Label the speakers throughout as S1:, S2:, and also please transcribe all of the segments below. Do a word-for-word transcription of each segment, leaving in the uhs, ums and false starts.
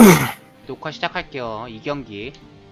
S1: 녹화 시작할게요. 이 경기.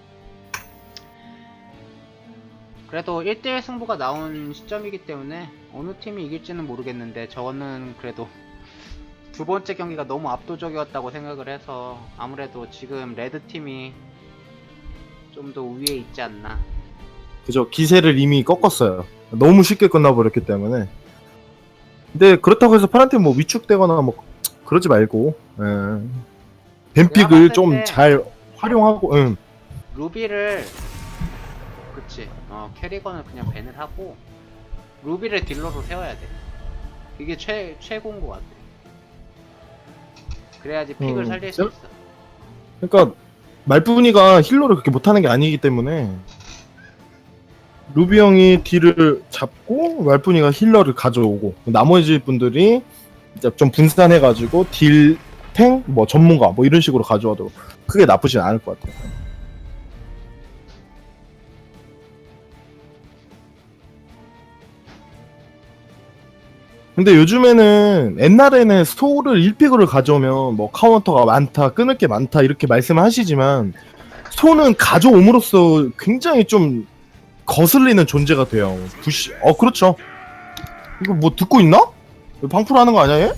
S1: 그래도 일 대 일 승부가 나온 시점이기 때문에 어느 팀이 이길지는 모르겠는데 저는 그래도 두 번째 경기가 너무 압도적이었다고 생각을 해서 아무래도 지금 레드팀이 좀 더 우위에 있지 않나.
S2: 그죠. 기세를 이미 꺾었어요. 너무 쉽게 끝나버렸기 때문에. 근데 그렇다고 해서 파란팀 뭐 위축되거나 뭐 그러지 말고, 예. 뱀픽을 좀 잘 활용하고, 응.
S1: 루비를 그치 어 캐리건을 그냥 밴을 하고 루비를 딜러로 세워야 돼. 이게 최, 최고인 것 같아. 그래야지 픽을
S2: 음,
S1: 살릴 수 있어.
S2: 그러니까 말뿐이가 힐러를 그렇게 못하는 게 아니기 때문에 루비 형이 딜을 잡고 말뿐이가 힐러를 가져오고 나머지 분들이 이제 좀 분산해가지고 딜, 탱, 뭐 전문가 뭐 이런 식으로 가져와도 크게 나쁘진 않을 것 같아요. 근데 요즘에는 옛날에는 소울을 일 픽으로 가져오면 뭐 카운터가 많다, 끊을 게 많다 이렇게 말씀을 하시지만 소는 가져옴으로써 굉장히 좀 거슬리는 존재가 돼요. 부시, 어 그렇죠. 이거 뭐 듣고 있나? 방풀 하는 거 아니야 얘?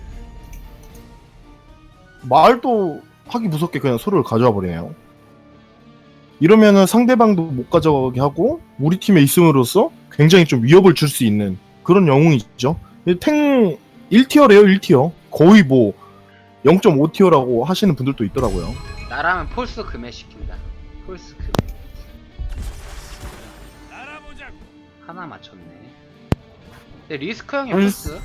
S2: 말도 하기 무섭게 그냥 소를 가져와 버리네요. 이러면은 상대방도 못 가져가게 하고 우리 팀에 있음으로써 굉장히 좀 위협을 줄 수 있는 그런 영웅이죠. 탱 일 티어래요. 일 티어. 거의 뭐 영 점 오 티어라고 하시는 분들도 있더라고요.
S1: 나라면 폴스 금해 시킨다. 폴스 금해. 하나 맞췄네. 근데 리스크 형이 폴스?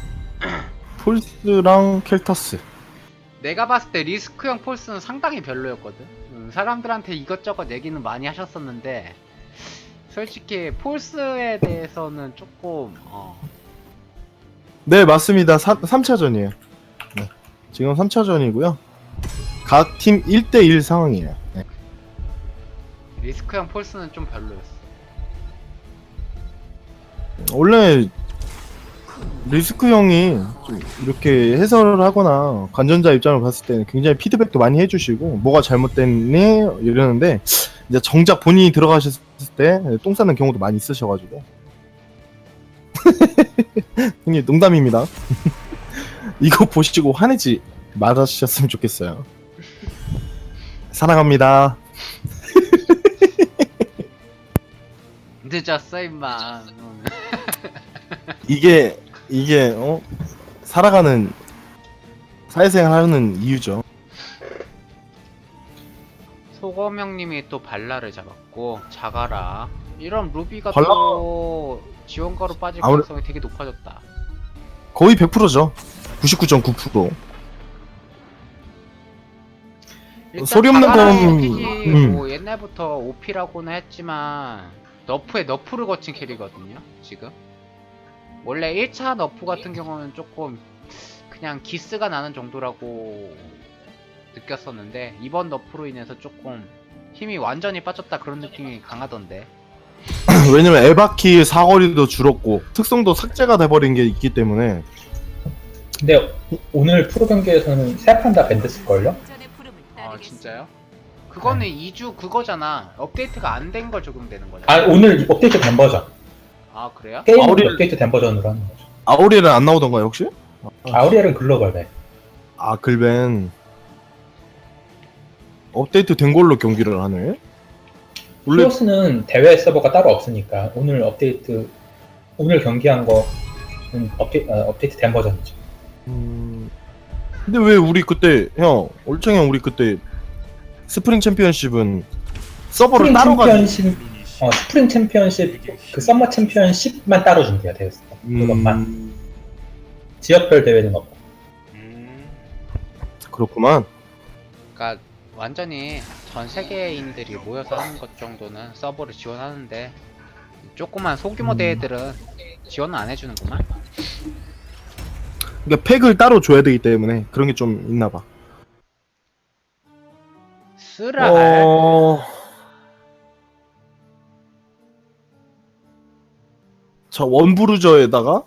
S2: 폴스랑 켈타스.
S1: 내가 봤을 때 리스크 형 폴스는 상당히 별로였거든. 음, 사람들한테 이것저것 얘기는 많이 하셨었는데 솔직히 폴스에 대해서는 조금 어
S2: 네 맞습니다. 삼 차전이에요. 네. 지금 삼 차전이고요. 각 팀 일 대 일 상황이에요. 네.
S1: 리스크 형 폴스는 좀 별로였어.
S2: 원래 리스크 형이 좀 이렇게 해설을 하거나 관전자 입장을 봤을 때는 굉장히 피드백도 많이 해주시고 뭐가 잘못됐니 이러는데 이제 정작 본인이 들어가셨을 때 똥 싸는 경우도 많이 있으셔가지고 형님 농담입니다. 이거 보시고 화내지 말아주셨으면 좋겠어요. 사랑합니다.
S1: 늦었어 임마.
S2: 이게 이게 어 살아가는 사회생활 하는 이유죠.
S1: 소검 형님이 또 발라를 잡았고 자가라. 이런 루비가
S2: 발라-
S1: 또 지원가로 빠질
S2: 아무래-
S1: 가능성이 되게 높아졌다.
S2: 거의 백 퍼센트죠. 구십구 점 구 퍼센트.
S1: 일단
S2: 소리 없는
S1: 자가라의
S2: 건-
S1: 픽이
S2: 음.
S1: 뭐 옛날부터 오피라고는 했지만 너프에 너프를 거친 캐리거든요 지금. 원래 일 차 너프 같은 경우는 조금 그냥 기스가 나는 정도라고 느꼈었는데 이번 너프로 인해서 조금 힘이 완전히 빠졌다 그런 느낌이 강하던데.
S2: 왜냐면 에바키 사거리도 줄었고 특성도 삭제가 돼버린 게 있기 때문에.
S3: 근데 오늘 프로 경기에서는 세 판 다 밴드쓸걸요?
S1: 아 진짜요? 그거는 이 주 그거잖아. 업데이트가 안 된 걸 적용되는 거잖아.
S3: 아 오늘 업데이트 된 버전.
S1: 아 그래요?
S3: 게임은
S2: 아우리엘-
S3: 업데이트 된 버전으로 하는 거죠.
S2: 아우리엘은 안 나오던가요 혹시?
S3: 아우리엘은 글로벌.
S2: 아 글벤 업데이트 된 걸로 경기를 하네. 원래
S3: 히오스는 대회 서버가 따로 없으니까 오늘 업데이트 오늘 경기한 거는 업데이, 어, 업데이트 된 버전이죠.
S2: 음... 근데 왜 우리 그때 형 올창 형 우리 그때 스프링 챔피언십은 서버를
S3: 스프링
S2: 따로 가지고
S3: 챔피언십, 어, 스프링 챔피언십 그 썸머 챔피언십만 따로 준비가 되었어. 그것만.
S2: 음...
S3: 지역별 대회는 없고.
S1: 음,
S2: 그렇구만.
S1: 그러니까 완전히 전 세계인들이 모여서 하는 것 정도는 서버를 지원하는데 조그만 소규모
S2: 음.
S1: 대회들은 지원은 안 해주는구만.
S2: 그러니까 팩을 따로 줘야 되기 때문에 그런 게 좀 있나봐.
S1: 쓰랄.
S2: 어... 자 원브루저에다가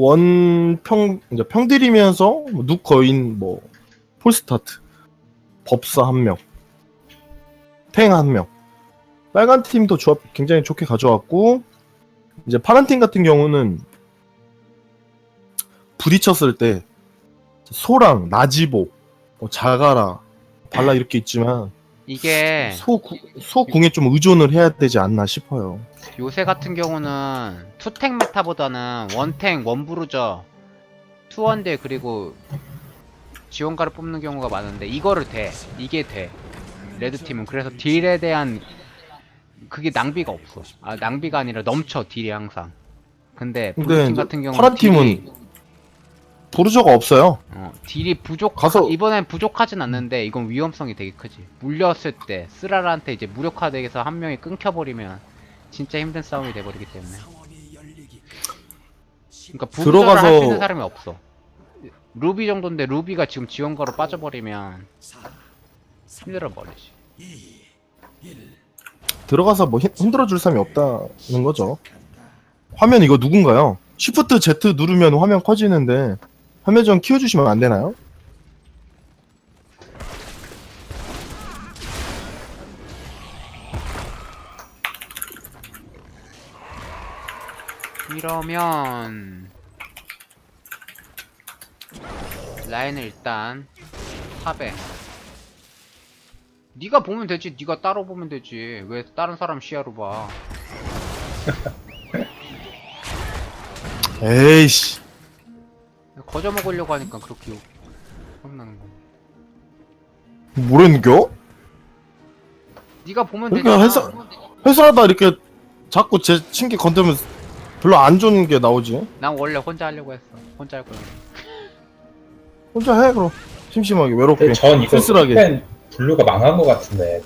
S2: 원평 이제 평들이면서 뭐 눅거인 뭐 폴스타트 법사 한 명, 탱 한 명. 빨간 팀도 조합 굉장히 좋게 가져왔고, 이제 파란 팀 같은 경우는 부딪혔을 때 소랑 나지보, 뭐 자가라, 발라 이렇게 있지만
S1: 이게
S2: 소 구- 소궁에 좀 의존을 해야 되지 않나 싶어요.
S1: 요새 같은 경우는 투탱 메타보다는 원탱, 원브루저, 투원딜 그리고 지원가를 뽑는 경우가 많은데 이거를 돼. 이게 돼. 레드팀은 그래서 딜에 대한 그게 낭비가 없어. 아 낭비가 아니라 넘쳐 딜이 항상. 근데
S2: 근데
S1: 블루팀
S2: 이제
S1: 같은 경우는
S2: 파란 팀은
S1: 딜이,
S2: 보르저가 없어요.
S1: 어, 딜이 부족
S2: 가서-
S1: 이번엔 부족하진 않는데 이건 위험성이 되게 크지. 물렸을 때 쓰라라한테 이제 무력화돼서 한 명이 끊겨버리면 진짜 힘든 싸움이 돼버리기 때문에. 그러니까 부조를
S2: 들어가서-
S1: 할 수 있는 사람이 없어. 루비 정도인데 루비가 지금 지원가로 빠져버리면 힘들어 버리지.
S2: 들어가서 뭐 힘- 흔들어줄 사람이 없다는 거죠. 화면 이거 누군가요? Shift Z 누르면 화면 커지는데 화면 좀 키워주시면 안 되나요?
S1: 이러면 라인을 일단 탑에 네가 보면 되지. 네가 따로 보면 되지. 왜 다른 사람 시야로 봐.
S2: 에이씨.
S1: 거저 먹으려고 하니까 그렇게 욕 혼나는 거.
S2: 뭐랬는겨?
S1: 네가 보면
S2: 그러니까
S1: 되잖아.
S2: 회사- 회사하다 이렇게 자꾸 제 친기 건드면 별로 안 좋은 게 나오지.
S1: 난 원래 혼자 하려고 했어. 혼자 할 거야.
S2: 혼자 해 그럼. 심심하게 외롭게
S3: 근데 전 이거
S2: 쓸쓸하게.
S3: 팬 블루가 망한 것 같은데.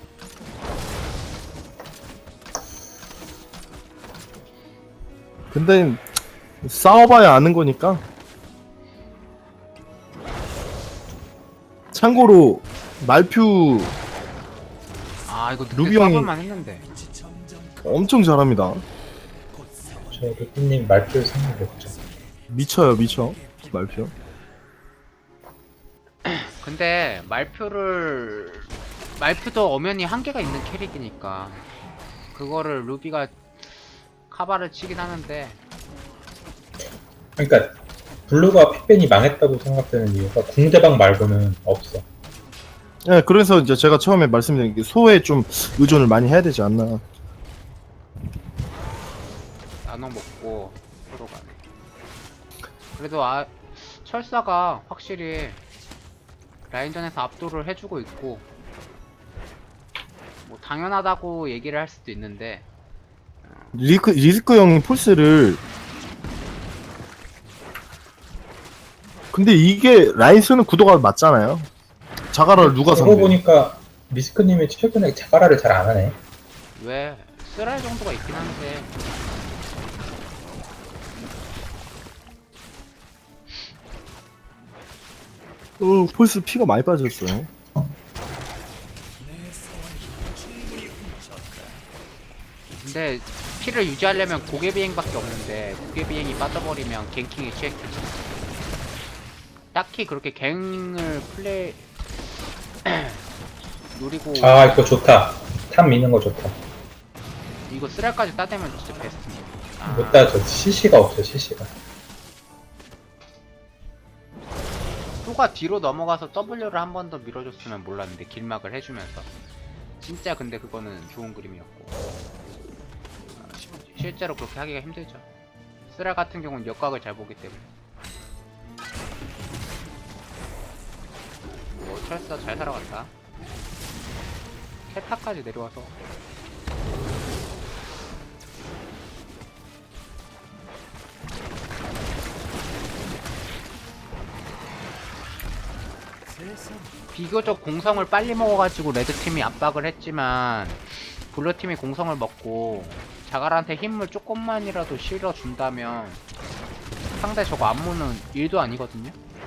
S2: 근데 싸워봐야 아는 거니까. 참고로 말퓨
S1: 아 이거 늦게
S2: 루비 형이-
S1: 싸볼만 했는데.
S2: 엄청 잘합니다.
S3: 저 루피님 말표 생각 못죠.
S2: 미쳐요 미쳐 말퓨.
S1: 근데 말표를 말표도 엄연히 한계가 있는 캐릭이니까 그거를 루비가 카바를 치긴 하는데
S3: 그러니까 블루가 픽벤이 망했다고 생각되는 이유가 궁대방 말고는 없어.
S2: 네, 그래서 이제 제가 처음에 말씀드린 게 소에 좀 의존을 많이 해야 되지 않나.
S1: 나눠 먹고 서로 가네. 그래도 아 철사가 확실히 라인전에서 압도를 해주고 있고 뭐 당연하다고 얘기를 할 수도 있는데
S2: 리스크 리스크 형이 폴스를. 근데 이게 라이스는 구도가 맞잖아요. 자가라를 누가
S3: 그러고
S2: 상대?
S3: 보니까 미스크님이 최근에 자가라를 잘 안 하네.
S1: 왜 쓰랄 정도가 있긴 한데
S2: 어, 폴스 피가 많이 빠졌어요.
S1: 근데 피를 유지하려면 고개 비행밖에 없는데 고개 비행이 빠져버리면 갱킹에 취약해져. 딱히 그렇게 갱을 플레이 노리고
S3: 아 이거 좋다. 탑 미는 거 좋다.
S1: 이거 쓰랄까지 따대면 진짜 베스트인데. 아,
S3: 못 따져. 씨씨가 없어 씨씨가.
S1: 소가 뒤로 넘어가서 W를 한 번 더 밀어줬으면 몰랐는데 길막을 해주면서 진짜 근데 그거는 좋은 그림이었고 아, 시- 실제로 그렇게 하기가 힘들죠. 쓰랄 같은 경우는 역각을 잘 보기 때문에. 뭐 철사 잘 살아갔다. 캐타까지 내려와서 비교적 공성을 빨리 먹어가지고 레드팀이 압박을 했지만 블루팀이 공성을 먹고 자갈한테 힘을 조금만이라도 실어준다면 상대 저거 안무는 일도 아니거든요.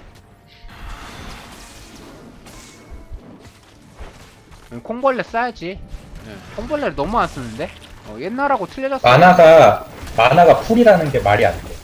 S1: 콩벌레 써야지. 네, 콩벌레를 너무 안 쓰는데? 어, 옛날하고 틀려졌어.
S3: 만화가 만화가 풀이라는 게 말이 안 돼.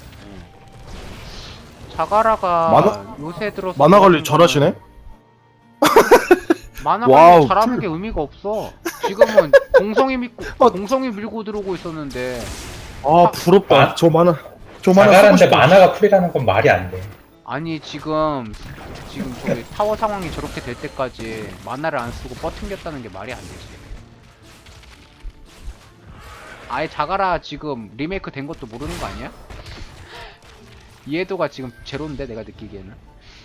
S1: 자가라가
S2: 만화-
S1: 요새 들어서
S2: 만화 관리
S1: 그런
S2: 잘하시네?
S1: 만화
S2: 와우,
S1: 관리 잘하는
S2: 풀-
S1: 게 의미가 없어. 지금은 공성이 믿고
S2: 어.
S1: 공성이 밀고 들어오고 있었는데.
S2: 아 부럽다.
S3: 아,
S2: 저 만화 저 만화 쓰고
S3: 자갈한데
S2: 싶어.
S3: 만화가 풀이라는 건 말이 안 돼.
S1: 아니 지금 지금 저기 타워 상황이 저렇게 될 때까지 만화를 안 쓰고 버팅겼다는 게 말이 안 되지. 아예 자가라 지금 리메이크 된 것도 모르는 거 아니야? 이해도가 지금 제로인데 내가 느끼기에는.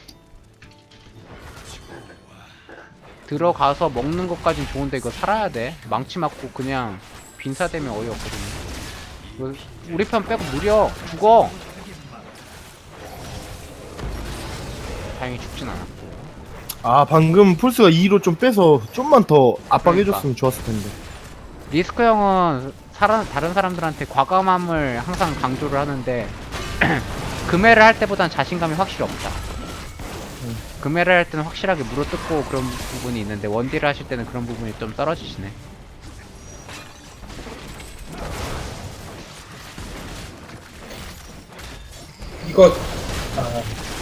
S1: 들어가서 먹는 것까진 좋은데 이거 살아야 돼. 망치 맞고 그냥 빈사되면 어이없거든요. 이거 우리 편 빼고 무려 죽어. 다행히 죽진 않았고.
S2: 아 방금 폴스가 이로 좀 빼서 좀만 더 압박해줬으면
S1: 그러니까.
S2: 좋았을 텐데.
S1: 리스크 형은 사람, 다른 사람들한테 과감함을 항상 강조를 하는데 금해를 할 때보단 자신감이 확실히 없다. 금해를 할 때는 확실하게 물어뜯고 그런 부분이 있는데 원딜을 하실 때는 그런 부분이 좀 떨어지시네.
S3: 이거 아,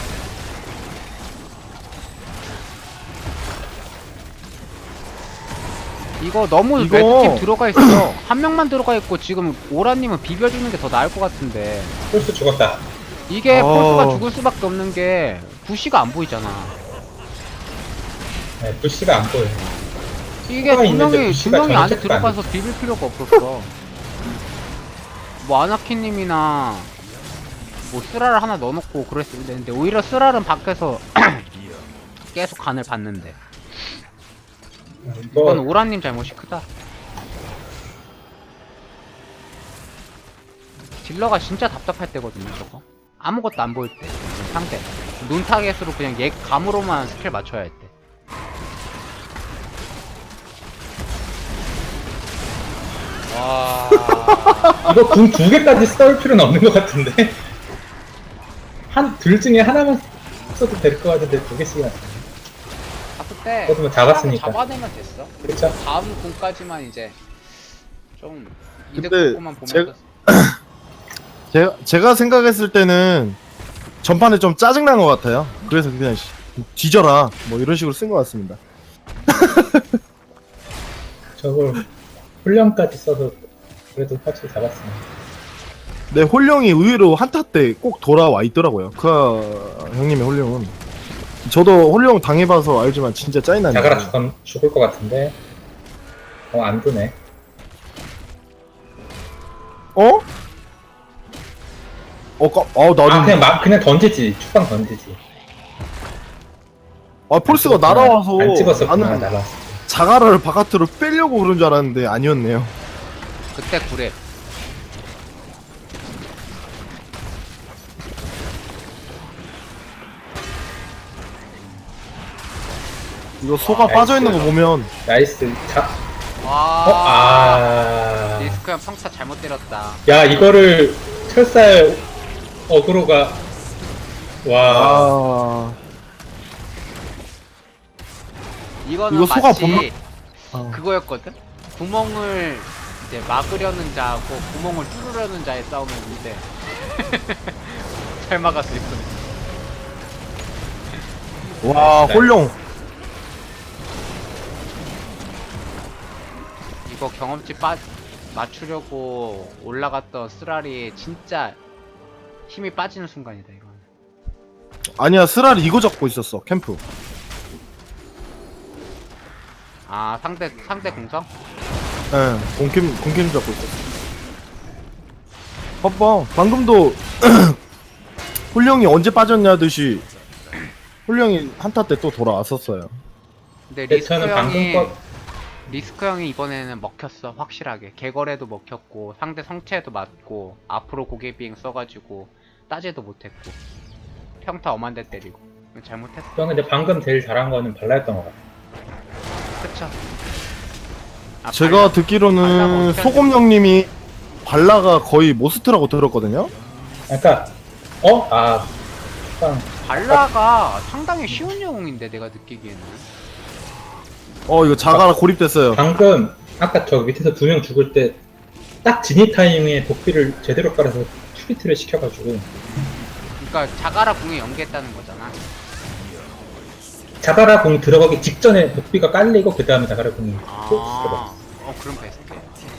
S1: 이거 너무
S2: 이거-
S1: 레드팀 들어가 있어. 한 명만 들어가 있고 지금 오라님은 비벼주는 게 더 나을 것 같은데
S3: 폴스 죽었다.
S1: 이게
S2: 어.
S1: 폴스가 죽을 수밖에 없는 게 부시가 안 보이잖아.
S3: 네, 부시가 안 보여.
S1: 이게
S3: 수가
S1: 두
S3: 있는데
S1: 명이 두
S3: 부시가
S1: 명이 안에
S3: 정책도 안
S1: 들어가서 비빌 필요가 없었어. 뭐 아나키님이나 뭐 쓰라를 하나 넣어놓고 그랬으면 되는데 오히려 쓰라는 밖에서 계속 간을 봤는데 이건
S3: 이거
S1: 오라님 잘못이 크다. 딜러가 진짜 답답할 때거든요 저거. 아무것도 안 보일 때 상대 눈 타겟으로 그냥 얘 감으로만 스킬 맞춰야 할 때. 와.
S3: 이거 궁 두 개까지 써올 필요는 없는 것 같은데. 한 둘 중에 하나만 써도 될 것 같은데 두 개씩이나.
S1: 봤을 때
S3: 그래도 뭐 잡았으니까.
S1: 잡아내면 됐어.
S3: 그렇죠.
S1: 다음 공까지만 이제 좀 이득
S2: 근데
S1: 보고만 보면
S2: 제가- 제가 제가 생각했을 때는 전판에 좀 짜증난 것 같아요. 그래서 그냥 씨, 뒤져라 뭐 이런 식으로 쓴 것 같습니다.
S3: 저걸 훈련까지 써서 그래도 확실히 잡았습니다.
S2: 네, 홀령이 의외로 한타 때 꼭 돌아와 있더라고요. 그 형님의 홀령은. 저도 홀령 당해봐서 알지만 진짜 짜증나네요.
S3: 자가라 죽은, 죽을 것 같은데. 어, 안 드네.
S2: 어? 어, 까, 어, 나는
S3: 아, 그냥 막, 그냥 던지지. 축방 던지지.
S2: 아, 폴스가
S3: 안 찍었구나.
S2: 날아와서
S3: 안 찍었었구나,
S2: 나는
S3: 날아왔어.
S2: 자가라를 바깥으로 빼려고 그런 줄 알았는데 아니었네요.
S1: 그때 구랩.
S2: 이거 소가
S3: 아,
S2: 빠져있는 거 보면
S3: 나이스. 자, 어?
S1: 와.
S3: 아.
S1: 리스크 형 평타 잘못 때렸다.
S3: 야, 이거를 철살 어그로가. 와.
S2: 아,
S1: 이거는
S2: 이거 소가
S1: 마치
S2: 보면- 아.
S1: 그거였거든. 구멍을 이제 막으려는 자하고 구멍을 뚫으려는 자의 싸움이었는데 잘 막았어 이거는.
S2: 와, 홀령.
S1: 이거 경험치 빠 맞추려고 올라갔던 쓰라리 진짜 힘이 빠지는 순간이다 이거.
S2: 아니야, 스랄이 이거 잡고 있었어, 캠프.
S1: 아 상대 상대 공성?
S2: 예, 공캠, 공캠 잡고 있었어. 봐봐, 방금도 홀령이 언제 빠졌냐듯이 홀령이 한타 때 또 돌아왔었어요.
S1: 근데
S3: 네,
S1: 리스크
S3: 저는 방금
S1: 형이
S3: 거,
S1: 리스크 형이 이번에는 먹혔어 확실하게. 개걸에도 먹혔고 상대 성체에도 맞고 앞으로 고개 비행 써가지고 따지도 못했고 평타 엄한데 때리고 잘못했어.
S3: 저는 근데 방금 제일 잘한 거는 발라였던 것 같아.
S1: 그쵸. 아,
S2: 제가
S1: 발라- 발라가
S2: 듣기로는
S1: 어떻게
S2: 소금형님이 발라가 거의 모스트라고 들었거든요.
S3: 그러니까, 어? 아, 축방.
S1: 발라가 상당히 쉬운 영웅인데 내가 느끼기에는.
S2: 어, 이거 자가라 고립됐어요.
S3: 방금, 아까 저 밑에서 두 명 죽을 때, 딱 진입 타이밍에 도피를 제대로 깔아서 투비트를 시켜가지고,
S1: 그러니까 자가라 궁에 연계했다는 거잖아.
S3: 자가라 공 들어가기 직전에 녹비가 깔리고 그 다음에 자가라 공이 또 들어가.
S1: 아, 어 그럼 베스트예요.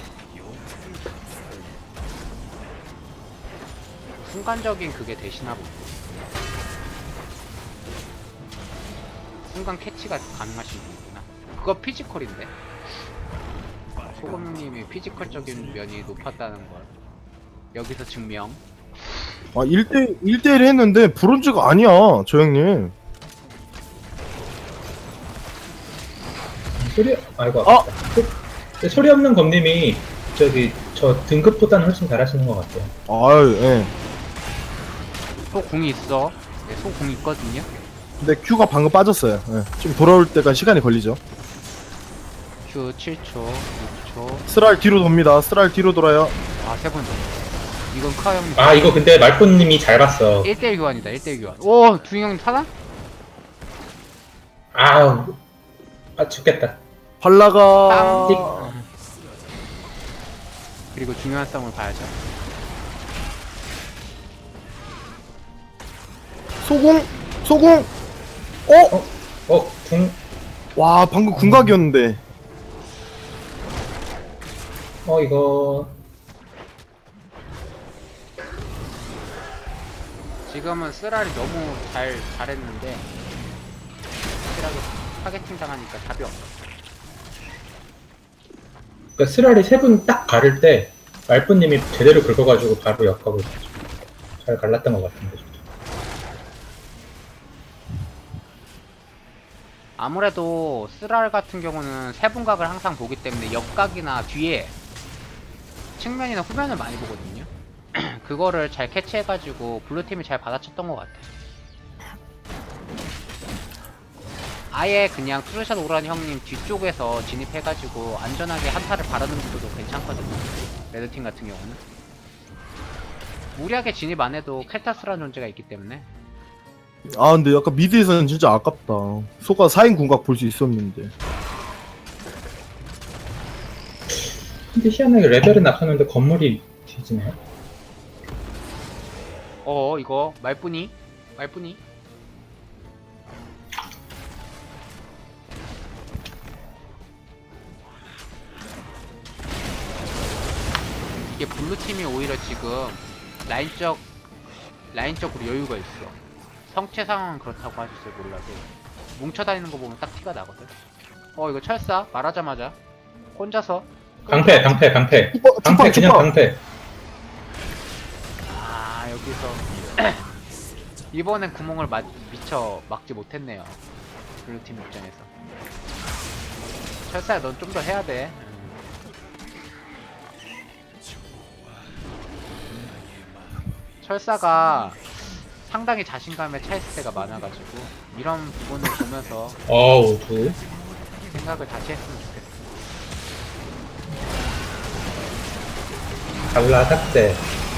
S1: 순간적인 그게 되시나 보네. 순간 캐치가 가능하신 분이구나. 그거 피지컬인데. 소금님이 피지컬적인 면이 높았다는 걸 여기서 증명.
S2: 아 일 대 일 대 일 했는데 브론즈가 아니야 저 형님.
S3: 소리 아이고
S2: 아!
S3: 아깝다. 소- 소리 없는 검님이 저기 저 등급보다는 훨씬 잘하시는 것 같아요.
S2: 아유 예.
S1: 소 공이 있어. 네, 소 공이 있거든요.
S2: 근데 Q가 방금 빠졌어요. 예. 좀 돌아올 때까지 시간이 걸리죠.
S1: Q 칠 초, 육 초.
S2: 스랄 뒤로 돕니다. 스랄 뒤로 돌아요.
S1: 아, 세 번 더. 이건 크아 형님.
S3: 아 이거 근데 말꾼님이 잘 봤어.
S1: 일 대 일 교환이다. 일 대 일 교환. 오, 두인 형님 타나?
S3: 아우 아 죽겠다.
S2: 발라가
S1: 빰. 그리고 중요한 싸움을 봐야죠.
S2: 소공 소공. 어?
S3: 어 궁.
S2: 와 방금 궁각이었는데.
S3: 어 이거
S1: 지금은 쓰라리 너무 잘 잘했는데 확실하게 타겟팅 당하니까 답이 없어.
S3: 그러니까 스랄이 세 분 딱 가를 때 말뿐님이 제대로 긁어가지고 바로 역하고 잘 갈랐던 것 같은데.
S1: 아무래도 쓰랄 같은 경우는 세분각을 항상 보기 때문에 옆각이나 뒤에 측면이나 후면을 많이 보거든요. 그거를 잘 캐치해가지고 블루팀이 잘 받아쳤던 것 같아. 아예 그냥 투르샷 오란 형님 뒤쪽에서 진입해가지고 안전하게 한타를 바르는 것도 괜찮거든요. 레드팀 같은 경우는 무리하게 진입 안 해도 켈타스라는 존재가 있기 때문에.
S2: 아 근데 약간 미드에서는 진짜 아깝다. 소가 사 인 궁각 볼 수 있었는데.
S3: 근데 희한하게 레벨은 낮췄는데 건물이 뒤지네.
S1: 어 이거 말뿐이 말뿐이 이게 블루팀이 오히려 지금 라인적 라인적으로 여유가 있어. 성체 상황은 그렇다고 하셨어요. 몰라도 뭉쳐다니는 거 보면 딱 티가 나거든. 어 이거 철사 말하자마자 혼자서
S3: 강패 강패 강패
S2: 투파
S3: 강패
S2: 투파
S3: 그냥
S2: 투파.
S3: 강패.
S1: 아 여기서 이번엔 구멍을 마, 미처 막지 못했네요. 블루팀 입장에서. 철사야 넌 좀 더 해야 돼. 철사가 상당히 자신감에 차있을 때가 많아가지고 이런 부분을 보면서
S3: 어우 두.
S1: 생각을 다시 했으면 좋겠어.
S3: 갈라 삭제.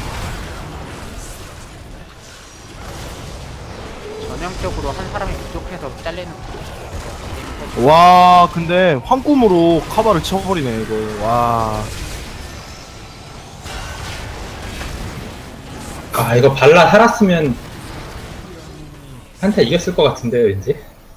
S1: 전형적으로 한 사람이 부족해서 잘리는 구조.
S2: 와 근데 황꿈으로 카바를 쳐버리네 이거. 와.
S3: 아 이거 발라 살았으면 한타 이겼을 것 같은데요 왠지.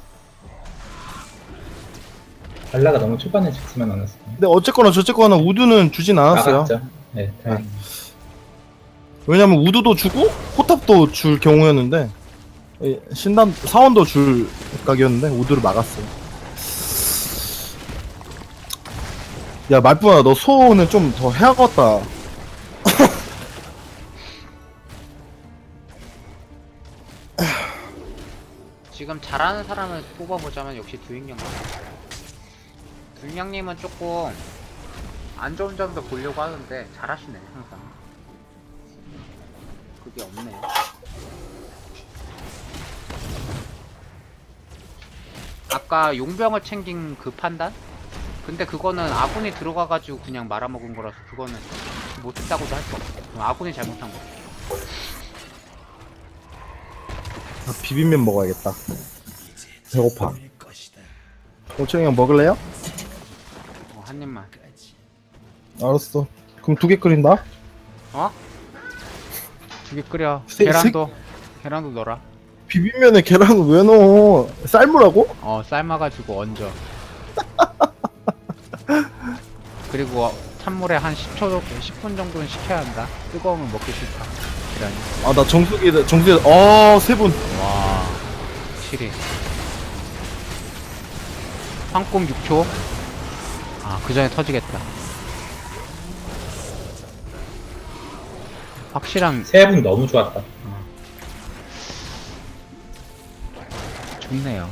S3: 발라가 너무 초반에 죽지만 않았어요.
S2: 근데 어쨌거나 저쨌거나 우드는 주진 않았어요.
S3: 나갔죠. 네, 다행히.
S2: 왜냐면 우드도 주고 포탑도 줄 경우였는데 이 신단 사원도 줄 각이었는데 우드를 막았어요. 야 말뿐아 너 소는 좀 더 해야겠다.
S1: 지금 잘하는 사람을 뽑아보자면 역시 두인경님. 두인경님은 조금 안 좋은 점도 보려고 하는데 잘하시네 항상. 그게 없네. 아까 용병을 챙긴 그 판단? 근데 그거는 아군이 들어가가지고 그냥 말아먹은 거라서 그거는 못했다고도 할 수 없어. 아군이 잘못한 거.
S2: 아, 비빔면 먹어야겠다. 배고파. 오천이 형 먹을래요?
S1: 어, 한 입만.
S2: 알았어. 그럼 두 개 끓인다.
S1: 어? 두 개 끓여.
S2: 세-
S1: 계란도 계란도 넣어라.
S2: 비빔면에 계란을 왜 넣어? 삶으라고?
S1: 어 삶아가지고 얹어. 그리고 찬물에 한 십 초, 십 분 정도는 식혀야 한다. 뜨거우면 먹기 싫다. 계란이.
S2: 아 나 정수기 정수기 아세 분.
S1: 와, 확실히. 황꿈 육 초. 아, 그 전에 터지겠다. 확실한,
S3: 세 분 너무 좋았다.
S1: 좋네요.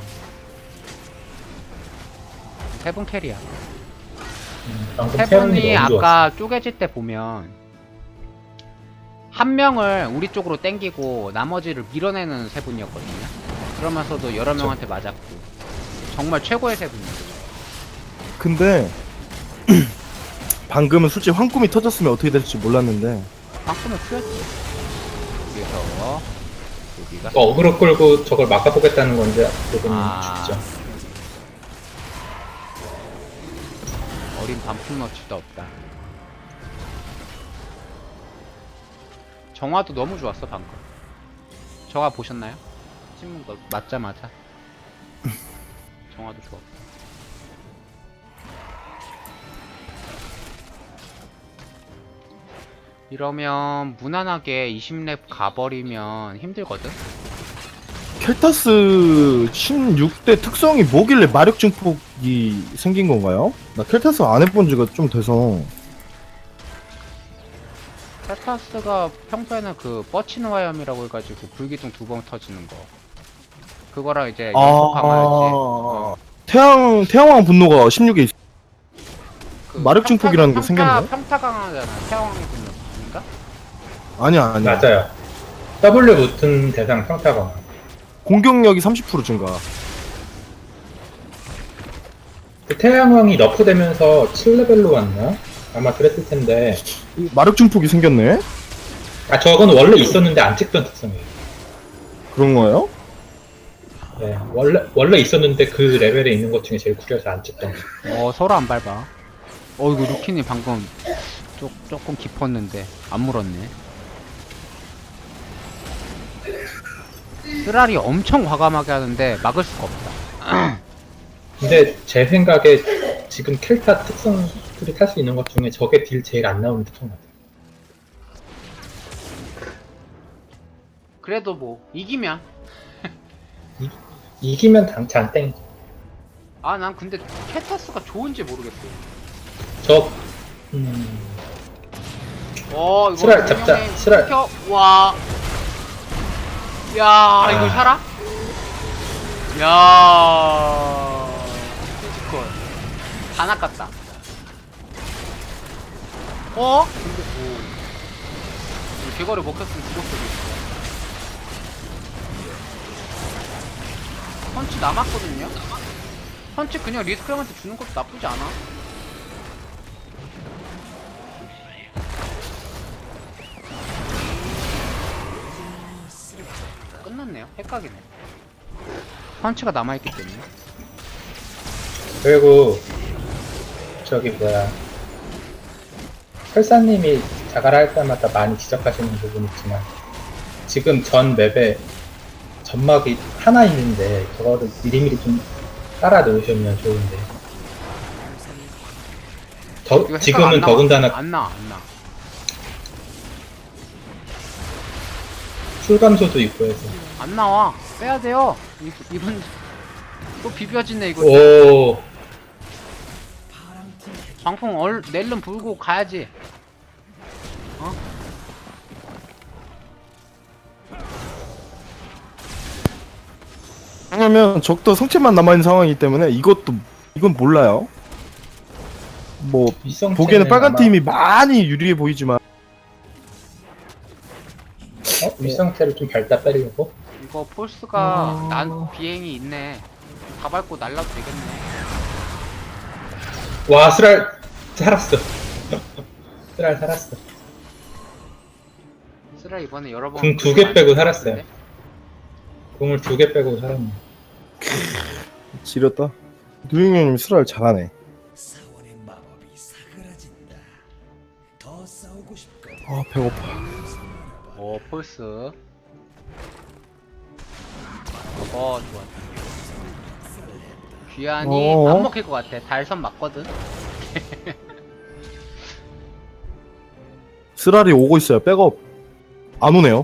S1: 세분 캐리야.
S3: 음, 방금 세 분이
S1: 세분이
S3: 너무 좋았어.
S1: 아까 쪼개질 때 보면, 한 명을 우리 쪽으로 땡기고, 나머지를 밀어내는 세 분이었거든요. 그러면서도 여러
S3: 그쵸.
S1: 명한테 맞았고. 정말 최고의 세 분이었죠.
S2: 근데 방금은 솔직히 황꿈이 터졌으면 어떻게 될지 몰랐는데
S1: 빵꾸면 풀렸지. 그래서, 여기가.
S3: 그 어그로 끌고 저걸 막아보겠다는 건데 조금
S1: 아.
S3: 죽죠.
S1: 어린 반풍너치도 없다. 정화도 너무 좋았어 방금. 정화 보셨나요? 신문 거 맞자마자 정화도 좋았고. 이러면 무난하게 이십 렙 가버리면 힘들거든?
S2: 켈타스 십육 대 특성이 뭐길래 마력 증폭이 생긴 건가요? 나 켈타스 안 해본 지가 좀 돼서.
S1: 텔타스가 평소에는 그 뻗치는 화염이라고 해가지고 불기둥 두 번 터지는 거, 그거랑 이제 연속 강화였지. 어.
S2: 태양 태양왕 분노가 십육에 있어.
S1: 그
S2: 마력
S1: 평타-
S2: 증폭이라는 게
S1: 평타-
S2: 생겼네?
S1: 평타 강화잖아. 태양왕의 분노 아닌가?
S2: 아니야 아니야.
S3: 맞아요. W 붙은 대상 평타가
S2: 공격력이 삼십 퍼센트 증가.
S3: 그 태양왕이 너프되면서 칠 레벨로 왔나? 아마 그랬을 텐데
S2: 이 마력 증폭이 생겼네.
S3: 아 저건 원래 있었는데 안 찍던 특성이에요.
S2: 그런 거예요?
S3: 네, 원래 원래 있었는데 그 레벨에 있는 것 중에 제일 구려서 안 찍던 거.
S1: 어 서로 안 밟아. 어 이거 루키님 방금 조, 조금 깊었는데 안 물었네. 쓰라리 엄청 과감하게 하는데 막을 수가 없다.
S3: 근데 제 생각에 지금 켈타 특성들이 탈 수 있는 것 중에 저게 딜 제일 안 나오는 특성 같아요.
S1: 그래도 뭐 이기면.
S3: 이기면 당, 잔땡.
S1: 아 난 근데 캐타스가 좋은지 모르겠어.
S3: 저 음,
S1: 어 이거
S3: 스랄 잡자,
S1: 분명히
S3: 스랄.
S1: 켜- 와. 야 이거
S3: 아.
S1: 살아? 야. 피지컬 다 낚았다. 어? 근데 뭐 이거 개거리 먹혔으면 죽었을 수도 있어. 펀치 남았거든요? 펀치 그냥 리스크 형한테 주는 것도 나쁘지 않아. 끝났네요. 헷갈리네. 펀치가 남아있기 때문에.
S3: 그리고 저기 뭐야 설사님이 자갈 할 때마다 많이 지적하시는 부분 있지만 지금 전 맵에 점막이 하나 있는데 그거를 미리미리 좀 깔아 놓으시면 좋은데 더,
S1: 이거 헷갈려,
S3: 지금은
S1: 안 나와.
S3: 더군다나
S1: 안 나와 안 나와.
S3: 출감소도 있고 해서
S1: 안 나와. 빼야 돼요. 이, 이분 또 비벼지네 이거.
S3: 오
S1: 방풍 얼 낼름 불고 가야지. 어?
S2: 왜냐면 적도 성체만 남아있는 상황이기 때문에 이것도 이건 몰라요. 뭐
S3: 윗성체는
S2: 보기에는 빨간
S3: 아마-
S2: 팀이 많이 유리해 보이지만
S3: 어? 윗성체를 좀 밟다 빼려고?
S1: 이거 폴스가
S2: 어.
S1: 난 비행이 있네. 다 밟고 날라도 되겠네.
S3: 와 스랄 살았어 스랄 살았어
S1: 쓰라 이번에 여러 번.
S3: 궁 두 개 빼고 살았어요. 궁을 두 개 빼고 살았네.
S2: 지렸다. 누잉형님 수랄 잘하네.
S4: 사원의 마법이 사그라진다. 더 싸우고 싶고
S2: 아 배고파.
S1: 어 폴스. 어 좋아. 귀환이
S2: 어어?
S1: 안 먹힐 것 같아. 달선 맞거든.
S2: 쓰라리 오고 있어요. 백업 안 오네요.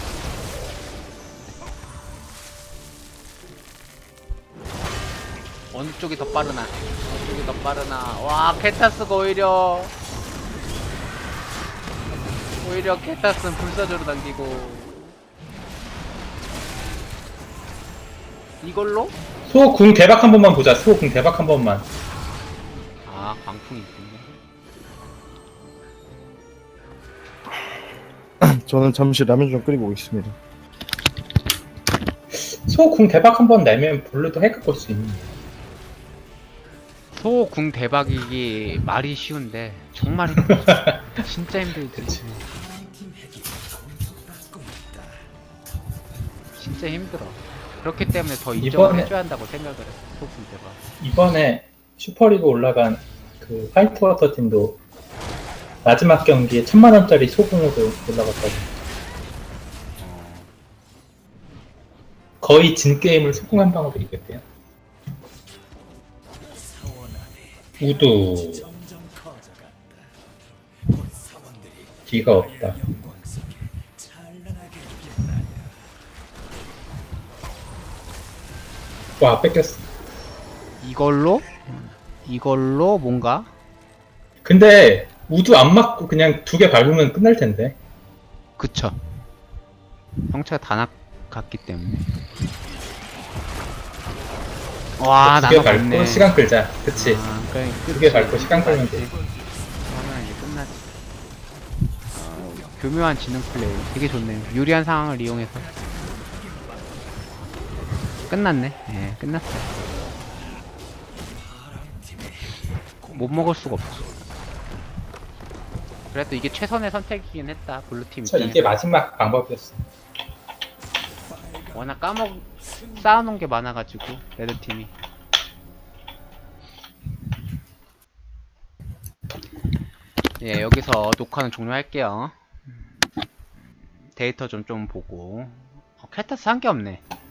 S1: 어느 쪽이 더 빠르나? 어느 쪽이 더 빠르나? 와 케타스가 오히려 오히려 케타스는 불사조로 당기고 이걸로?
S3: 수호 궁 대박 한 번만 보자. 수호 궁 대박 한 번만.
S1: 아 광풍이 있군요.
S2: 저는 잠시 라면 좀 끓이고 오겠습니다.
S3: 수호 궁 대박 한 번 내면 블루도 핵을 걸 수 있는.
S1: 소궁 대박이기 말이 쉬운데 정말 힘들어. 진짜 힘들지. 진짜 힘들어. 그렇기 때문에 더 인정을
S3: 이번에-
S1: 해줘야 한다고 생각을 해. 소궁 대박.
S3: 이번에 슈퍼리그 올라간 그 화이트워터 팀도 마지막 경기에 천만 원짜리 소금으로 올라갔다고. 거의 진 게임을 소금 한 방으로 이겼대요. 우두
S4: 점점 커져간다. 사원들이
S3: 기가 없다.
S4: 영광 속에 찬란하게 빛나려.
S3: 와 뺏겼어.
S1: 이걸로 이걸로 뭔가
S3: 근데 우두 안 맞고 그냥 두 개 밟으면 끝날 텐데.
S1: 그쵸. 형체가 다 나갔기 때문에. 와
S3: 두 개
S1: 나눠
S3: 밟고
S1: 갔네.
S3: 시간 끌자. 그치.
S1: 아, 그래,
S3: 두 개 밟고 시간 끌면 돼.
S1: 그러면 이제 끝나지. 어, 교묘한 지능 플레이 되게 좋네요. 유리한 상황을 이용해서 끝났네. 예, 끝났어요. 못 먹을 수가 없어. 그래도 이게 최선의 선택이긴 했다. 블루팀
S3: 저
S1: 입장에서.
S3: 이게 마지막 방법이었어.
S1: 워낙 까먹 쌓아놓은 게 많아가지고 레드팀이. 예, 여기서 녹화는 종료할게요. 데이터 좀 좀 보고. 어, 캘타스 한 게 없네.